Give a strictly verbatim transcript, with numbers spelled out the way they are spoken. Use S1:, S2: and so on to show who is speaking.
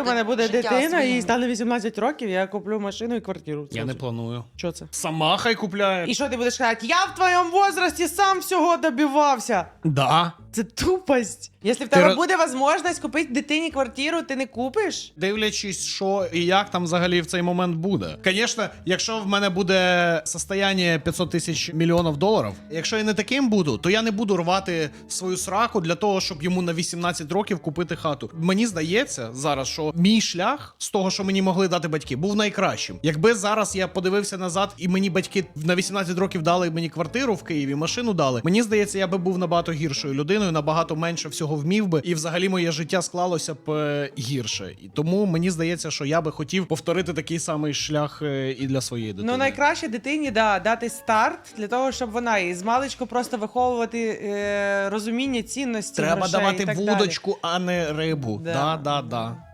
S1: в мене буде
S2: життя
S1: дитина
S2: своїм.
S1: і стане вісімнадцять років, я куплю машину і квартиру.
S3: Я не планую.
S1: Що це?
S3: Сама хай купляє.
S1: І що ти будеш казати? Я в твоєму возрасті сам всього добивався.
S3: Да.
S1: Це тупость. Якщо в
S3: Ти
S1: тебе
S3: ро-
S1: буде можливість купити дитині квартиру, ти не купиш?
S3: Дивлячись, що і як там взагалі в цей момент буде. Звісно, якщо в мене буде состояння п'ятсот тисяч мільйонів доларів, якщо я не таким буду, то я не буду рвати свою сраку для того, щоб йому на вісімнадцять років купити хату. Мені здається зараз, що мій шлях з того, що мені могли дати батьки, був найкращим. Якби зараз я подивився назад і мені батьки на вісімнадцять років дали мені квартиру в Києві, машину дали, мені здається, я би був набагато гіршою людиною, набагато менше всього вмів би, і взагалі моє життя склалося б е, гірше. І тому мені здається, що я би хотів повторити такий самий шлях е, і для своєї дитини.
S1: Ну, найкраще дитині да, дати старт для того, щоб вона і з маличку просто виховувати е, розуміння цінності.
S3: Треба
S1: грошей
S3: давати
S1: і так
S3: вудочку, а не рибу.
S1: Да.
S3: Да, да, да.